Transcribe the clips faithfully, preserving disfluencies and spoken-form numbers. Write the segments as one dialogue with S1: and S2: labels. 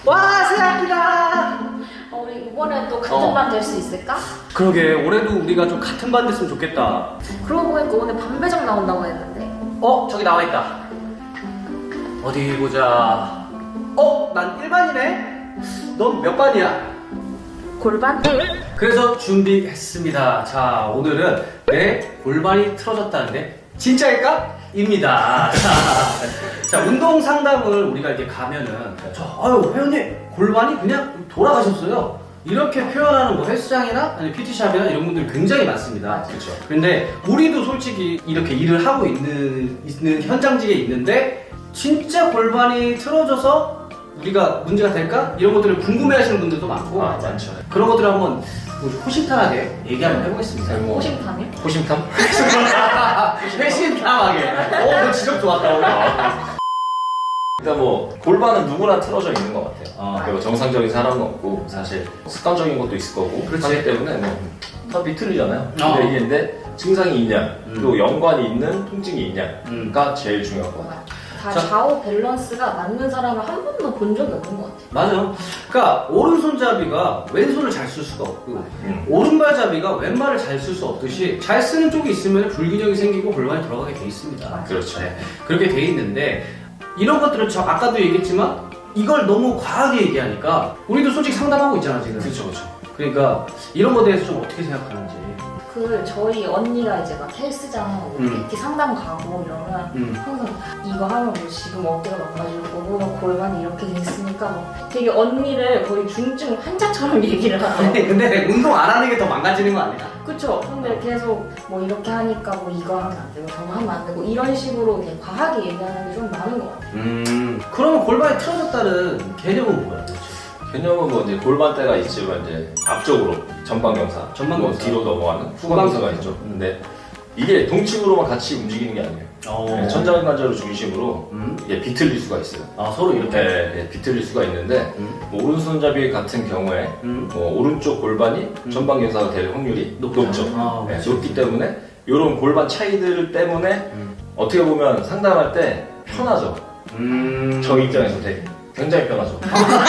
S1: 와, 새학기다.
S2: 어, 우리 이번에 또 같은
S1: 어.
S2: 반 될 수 있을까?
S1: 그러게, 올해도 우리가 좀 같은 반 됐으면 좋겠다.
S2: 그러고 보니까 오늘 반배정 나온다고 했는데.
S1: 어, 저기 나와 있다. 어디 보자. 어, 난 일 반이네. 넌 몇 반이야?
S2: 골반?
S1: 그래서 준비했습니다. 자, 오늘은 내 골반이 틀어졌다는데 진짜일까? 입니다. 자, 운동 상담을 우리가 이렇게 가면은 저, 아유, 회원님 골반이 그냥 돌아가셨어요. 이렇게 표현하는 뭐 헬스장이나 아니 피티샵이나 이런 분들이 굉장히 많습니다.
S3: 그렇죠.
S1: 근데 우리도 솔직히 이렇게 일을 하고 있는, 있는 현장직에 있는데 진짜 골반이 틀어져서 우리가 문제가 될까? 이런 것들을 궁금해하시는 분들도 많고
S3: 아, 많죠.
S1: 그런 것들을 한번 호심탄하게 얘기 한번 해보겠습니다.
S3: 네, 뭐.
S2: 호심탐이요?
S3: 호심탐?
S1: 회심탐하게. 어, 너 지적 좋았다 오늘.
S3: 일단 뭐 골반은 누구나 틀어져 있는 것 같아요.
S1: 어.
S3: 그리고 정상적인 사람은 없고 사실 습관적인 것도 있을 거고
S1: 그렇지.
S3: 하기 때문에 뭐 탑이 틀리잖아요.
S1: 어.
S3: 근데 이게 근데 증상이 있냐
S1: 음.
S3: 또 연관이 있는 통증이 있냐가
S1: 음.
S3: 제일 중요한 것 같아요.
S2: 다
S1: 자.
S2: 좌우 밸런스가 맞는 사람을 한 번도 본 적이 없는 것 같아요.
S1: 맞아. 그러니까 오른손잡이가 왼손을 잘 쓸 수가 없고
S3: 음.
S1: 오른발잡이가 왼발을 잘 쓸 수 없듯이 잘 쓰는 쪽이 있으면 불균형이 생기고 골반이 돌아가게 돼 있습니다.
S3: 그렇죠.
S1: 네, 그렇게 돼 있는데 이런 것들은 저 아까도 얘기했지만 이걸 너무 과하게 얘기하니까 우리도 솔직히 상담하고 있잖아 지금.
S3: 그렇죠, 그렇죠.
S1: 그러니까 이런 거에 대해서 좀 어떻게 생각하는지.
S2: 그 저희 언니가 이제 막 헬스장 뭐
S1: 음.
S2: 피티 상담 가고 이러면
S1: 음.
S2: 항상 이거 하면 뭐 지금 어깨가 망가지고 뭐 골반이 이렇게 돼 있으니까 뭐 되게 언니를 거의 중증 환자처럼 얘기를 하더라고요.
S1: 근데 운동 안 하는 게 더 망가지는 거 아니야?
S2: 그쵸. 근데 계속 뭐 이렇게 하니까 뭐 이거 하면 안 되고 저거 하면 안 되고 이런 식으로 그냥 과하게 얘기하는 게 좀 많은 것 같아요.
S1: 음. 그러면 골반이 틀어졌다는 개념은 뭐야 도대체?
S3: 개념은 뭐 이제 골반대가 있지만 이제 앞쪽으로 전방경사,
S1: 전방경사.
S3: 뭐 뒤로 넘어가는 후방경사가 있죠.
S1: 음.
S3: 근데 이게 동치구로만 같이 움직이는 게 아니에요.
S1: 어.
S3: 네, 천장관절을 중심으로
S1: 음.
S3: 이게 비틀릴 수가 있어요.
S1: 아 서로 이렇게.
S3: 네, 네, 비틀릴 수가 있는데
S1: 음.
S3: 뭐 오른손잡이 같은 경우에
S1: 음.
S3: 뭐 오른쪽 골반이
S1: 음.
S3: 전방경사가 될 확률이
S1: 높죠.
S3: 높죠.
S1: 아,
S3: 네,
S1: 그렇지.
S3: 높기 때문에 이런 골반 차이들 때문에
S1: 음.
S3: 어떻게 보면 상담할 때 편하죠.
S1: 음.
S3: 저 입장에서 되게 굉장히 편하죠.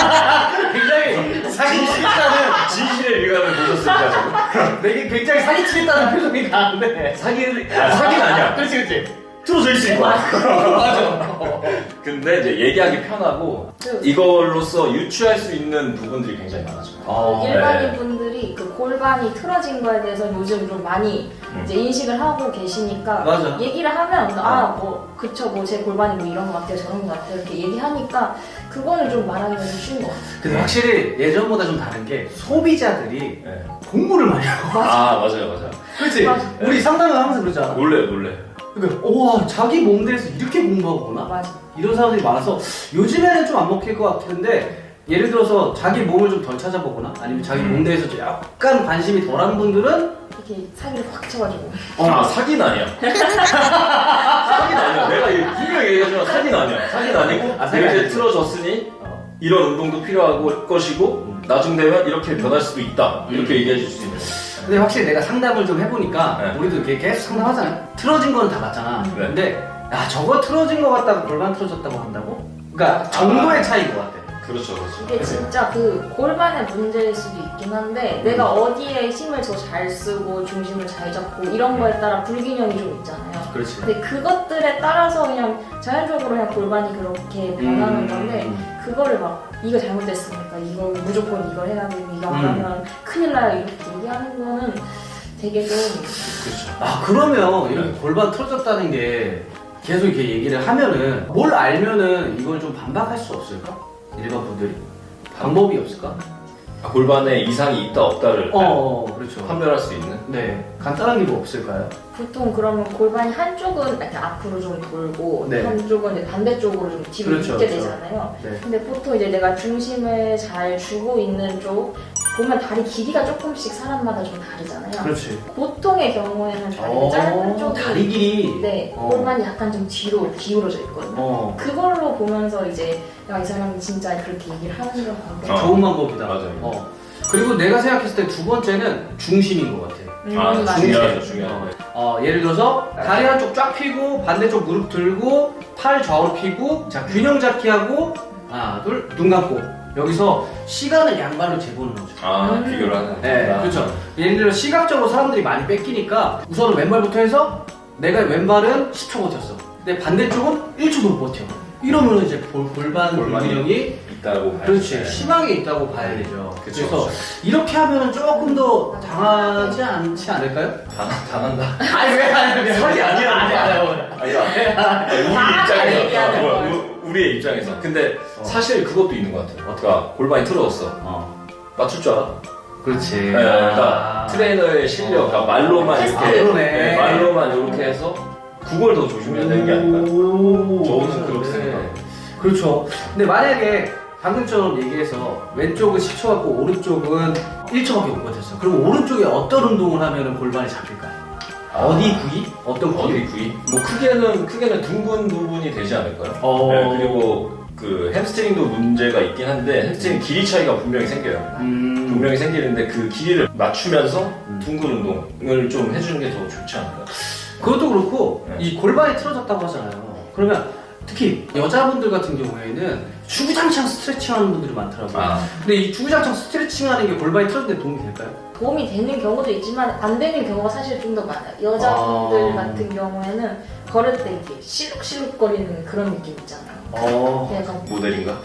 S1: 굉장히 사기치겠다는
S3: 진실의 일감을 보셨을까 저는?
S1: 되게 굉장히 사기치겠다는 표정이 나는데.
S3: 사기를 아, 사기는 아니야.
S1: 그렇지 그렇지.
S3: 틀어져 있을 거야.
S1: 맞아.
S3: 근데 이제 얘기하기 편하고 이걸로써 유추할 수 있는 부분들이 굉장히 많아져.
S1: 어,
S2: 일반인
S3: 네.
S2: 분들이 그 골반이 틀어진 거에 대해서 요즘 좀 많이
S3: 음.
S2: 이제 인식을 하고 계시니까
S1: 맞아.
S2: 얘기를 하면 아 뭐 그쵸 뭐 제 골반이 뭐 이런 것 같아요 저런 것 같아요 이렇게 얘기하니까 그거는 좀 말하기가 좀 쉬운 것 같아요.
S1: 근데 확실히 예전보다 좀 다른 게 소비자들이
S3: 네.
S1: 공부를 많이 하고.
S3: 아 맞아요 맞아요.
S1: 그렇지.
S2: 맞아.
S1: 우리 상담을 하면서 그러잖아.
S3: 놀래 놀래.
S1: 그러니까 우와 자기 몸 대해서 이렇게 공부하구나.
S2: 맞아.
S1: 이런 사람들이 많아서 요즘에는 좀 안 먹힐 것 같은데 예를 들어서 자기 몸을 좀 덜 찾아보거나 아니면 자기 몸 대해서 좀 약간 관심이 덜한 분들은
S2: 이렇게 사기를 확 쳐가지고
S3: 아 사기는 아니야. 사기는 아니야. 내가 이거 분명히 얘기하지만 사기는 아니야. 사기는 아니고
S1: 아, 사기
S3: 이렇게
S1: 아니지.
S3: 틀어졌으니
S1: 어.
S3: 이런 운동도 필요하고 것이고
S1: 음.
S3: 나중 되면 이렇게 변할 수도 있다. 이렇게
S1: 음.
S3: 얘기해 줄 수 있는.
S1: 근데 확실히 내가 상담을 좀 해보니까
S3: 네.
S1: 우리도 이렇게 계속 상담하잖아요. 틀어진 거는 다 맞잖아.
S3: 네.
S1: 근데 야 저거 틀어진 거 같다고 골반 틀어졌다고 한다고? 그러니까 정도의 차이인 것 같아.
S3: 그렇죠 그렇죠.
S2: 이게 진짜 그 골반의 문제일 수도 있긴 한데 내가 어디에 힘을 더 잘 쓰고 중심을 잘 잡고 이런 거에 따라 불균형이 좀 있잖아요.
S1: 그렇지.
S2: 근데 그것들에 따라서 그냥 자연적으로 그냥 골반이 그렇게 변하는
S1: 음.
S2: 건데 그거를 막 이거 잘못됐으니까 이거 무조건 이걸 해야 되고 이거 안
S1: 음.
S2: 하면 큰일 나요 이렇게 얘기하는 거는 되게 좀
S3: 그렇죠.
S1: 아 그러면 이렇게
S3: 네.
S1: 골반 틀어졌다는 게 계속 이렇게 얘기를 하면은 뭘 알면은 이걸 좀 반박할 수 없을까? 일반 분들이 방법이 없을까?
S3: 아, 골반에 이상이 있다 없다를
S1: 어, 어 그렇죠.
S3: 판별할 수 있는.
S1: 네 간단한 게 뭐 없을까요?
S2: 보통 그러면 골반이 한쪽은 이렇게 앞으로 좀 돌고
S1: 네.
S2: 한쪽은 이제 반대쪽으로 좀 뒤로
S1: 그렇죠,
S2: 눕게
S1: 그렇죠.
S2: 되잖아요.
S1: 네.
S2: 근데 보통 이제 내가 중심을 잘 주고 있는 쪽 보면 다리 길이가 조금씩 사람마다 좀 다르잖아요.
S1: 그렇지.
S2: 보통의 경우에는 다리가
S1: 어,
S2: 짧은 쪽이
S1: 다리 길이.
S2: 네,
S1: 어.
S2: 골반이 약간 좀 뒤로 기울어져 있거든요.
S1: 어.
S2: 그걸로 보면서 이제 야, 이 사람이 진짜 그렇게 얘기를 하는 건 방법.
S3: 어.
S1: 좋은 방법이다.
S3: 맞아요.
S1: 어. 그리고 내가 생각했을 때 두 번째는 중심인 것 같아.
S2: 음,
S3: 아
S2: 맞아요.
S3: 중요하죠 중요하죠.
S1: 어, 예를 들어서 다리 한쪽 쫙 펴고 반대쪽 무릎 들고 팔 좌우로 펴고 자 균형 잡기 하고 하나 둘 눈 감고 여기서 시간을 양발로 재보는 거죠.
S3: 아
S2: 음.
S3: 비교를 하는.
S1: 네,
S3: 아.
S1: 그렇죠. 예를 들어 시각적으로 사람들이 많이 뺏기니까 우선은 왼발부터 해서 내가 왼발은 십 초 버텼어. 근데 반대쪽은 일 초도 못 버텨. 이러면 이제 골, 골반
S3: 골반이
S1: 불균형이
S3: 있다고 봐야죠.
S1: 그렇지
S3: 네.
S1: 심하게 있다고 봐야 되죠.
S3: 그쵸,
S1: 래서
S3: 그쵸.
S1: 이렇게 하면 조금 더 당하지 않지 않을까요?
S3: 당, 당한다.
S1: 아니 왜 아니
S3: 설이 아니라
S1: 아니 아니
S3: 아니야. 우리
S2: 정확하게 얘기하는
S3: 입장에서.
S2: 걸.
S3: 어, 우- 우리의 입장에서. 근데
S1: 어.
S3: 사실 그것도 있는 것 같아요. 어떡하 골반이 틀어졌어.
S1: 어
S3: 맞출 줄 알아?
S1: 그렇지.
S3: 네, 그러니까 트레이너의 실력, 그러니까 말로만
S2: 테스트.
S3: 이렇게,
S1: 아, 그러네.
S3: 네, 말로만 이렇게 해서 그걸 더 조심해야 되는 게 아닐까?
S1: 오,
S3: 저는 그렇게
S1: 네.
S3: 생각해요.
S1: 그렇죠. 근데 만약에 방금처럼 얘기해서 왼쪽은 십 초 같고 오른쪽은 일 초밖에 못 버텼어. 그럼 오른쪽에 어떤 운동을 하면 골반이 잡힐까요? 어디 부위? 어떤 부위?
S3: 어디 부위? 뭐 크게는 크게는 둥근 부분이 되지 않을까요?
S1: 어.
S3: 네, 그리고 그 햄스트링도 문제가 있긴 한데 햄스트링 길이 차이가 분명히 생겨요.
S1: 음.
S3: 분명히 생기는데 그 길이를 맞추면서
S1: 음.
S3: 둥근 운동을 좀 해주는 게 더 좋지 않을까?
S1: 그것도 그렇고
S3: 네.
S1: 이 골반이 틀어졌다고 하잖아요. 그러면 특히 여자분들 같은 경우에는 주구장창 스트레칭하는 분들이 많더라고요.
S3: 아,
S1: 근데 이 주구장창 스트레칭하는 게 골반이 틀어질 때 도움이 될까요?
S2: 도움이 되는 경우도 있지만 안 되는 경우가 사실 좀 더 많아요. 여자분들
S1: 아.
S2: 같은 경우에는 걸을 때 이렇게 실룩실룩거리는 그런 느낌 있잖아요.
S1: 어.
S2: 그래서
S3: 모델인가?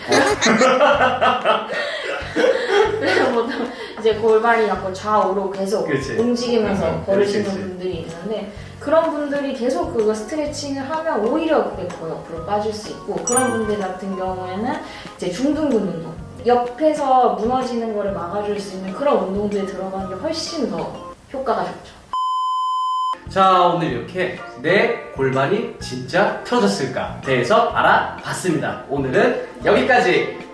S2: 그래서 보통 이제 골반이 약간 좌우로 계속
S1: 그치.
S2: 움직이면서
S3: 음,
S2: 걸으시는
S1: 그치, 그치.
S2: 분들이 있는데 그런 분들이 계속 그거 스트레칭을 하면 오히려 그게 더 옆으로 빠질 수 있고 그런 분들 같은 경우에는 이제 중둔근 운동 옆에서 무너지는 거를 막아줄 수 있는 그런 운동들에 들어가는 게 훨씬 더 효과가 좋죠.
S1: 자, 오늘 이렇게 내 골반이 진짜 틀어졌을까 대해서 알아봤습니다. 오늘은 여기까지.